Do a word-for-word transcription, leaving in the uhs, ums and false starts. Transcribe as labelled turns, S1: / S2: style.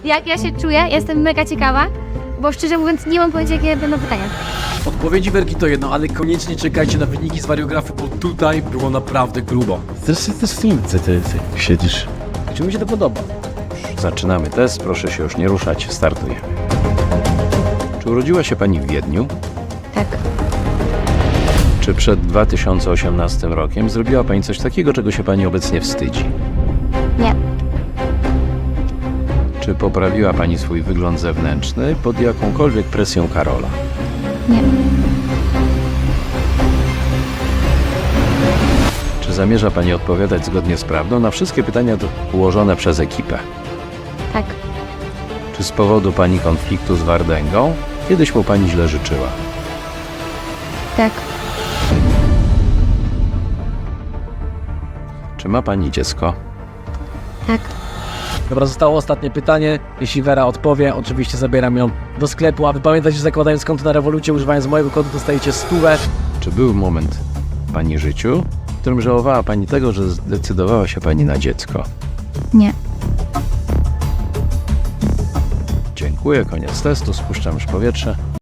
S1: Jak ja się czuję? Jestem mega ciekawa, bo szczerze mówiąc nie mam pojęcia, jakie będą pytania.
S2: Odpowiedzi Werki to jedno, ale koniecznie czekajcie na wyniki z wariografy, bo tutaj było naprawdę grubo.
S3: Zresztą też w filmce ty, ty siedzisz.
S2: Czy mi się to podoba?
S3: Zaczynamy test, proszę się już nie ruszać, startujemy. Czy urodziła się pani w Wiedniu?
S1: Tak.
S3: Czy przed dwa tysiące osiemnastym rokiem zrobiła pani coś takiego, czego się pani obecnie wstydzi?
S1: Nie.
S3: Czy poprawiła pani swój wygląd zewnętrzny pod jakąkolwiek presją Karola?
S1: Nie.
S3: Czy zamierza pani odpowiadać zgodnie z prawdą na wszystkie pytania ułożone przez ekipę?
S1: Tak.
S3: Czy z powodu pani konfliktu z Wardęgą kiedyś mu pani źle życzyła?
S1: Tak.
S3: Czy ma pani dziecko?
S1: Tak.
S2: Dobra, zostało ostatnie pytanie. Jeśli Wera odpowie, oczywiście zabieram ją do sklepu, a wy pamiętajcie, że zakładając konto na Revolucie, używając mojego kodu, dostajecie stówę.
S3: Czy był moment w pani życiu, w którym żałowała pani tego, że zdecydowała się pani na dziecko?
S1: Nie.
S3: Dziękuję, koniec testu, spuszczam już powietrze.